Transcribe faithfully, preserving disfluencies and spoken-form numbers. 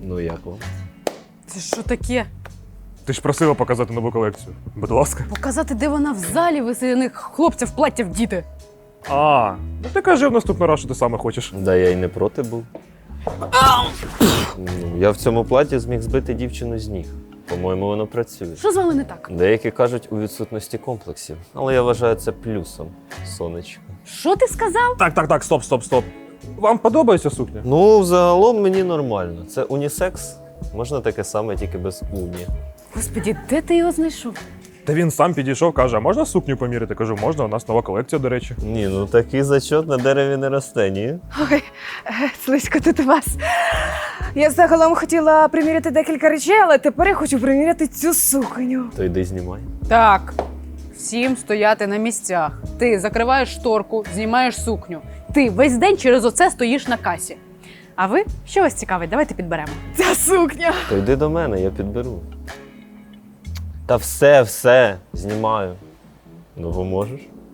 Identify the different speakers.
Speaker 1: Ну як вам?
Speaker 2: Це що таке?
Speaker 3: Ти ж просила показати нову колекцію. Будь ласка.
Speaker 2: Показати, де вона в залі веселених хлопців плаття вдіти.
Speaker 3: А, ну ти кажи в наступний раз, що ти саме хочеш.
Speaker 1: Да я й не проти був. Ну, я в цьому платі зміг збити дівчину з ніг. По-моєму, воно працює.
Speaker 2: Що з вами не так?
Speaker 1: Деякі кажуть у відсутності комплексів, але я вважаю це плюсом, сонечко.
Speaker 2: Що ти сказав?
Speaker 3: Так, так, так, стоп, стоп, стоп. Вам подобається сукня?
Speaker 1: Ну, загалом мені нормально. Це унісекс. Можна таке саме, тільки без уні.
Speaker 2: Господі, де ти його знайшов?
Speaker 3: Та він сам підійшов, каже, а можна сукню поміряти? Кажу, можна, у нас нова колекція, до речі.
Speaker 1: Ні, ну такий зачот на дереві не росте, ні?
Speaker 4: Ой, слизько тут у вас. Я загалом хотіла приміряти декілька речей, але тепер я хочу приміряти цю сукню.
Speaker 1: То йди знімай.
Speaker 2: Так, всім стояти на місцях. Ти закриваєш шторку, знімаєш сукню. Ти весь день через оце стоїш на касі. А ви? Що вас цікавить? Давайте підберемо.
Speaker 4: Ця сукня.
Speaker 1: То йди до мене, я підберу. Та все, все, знімаю. Ну, бо можеш?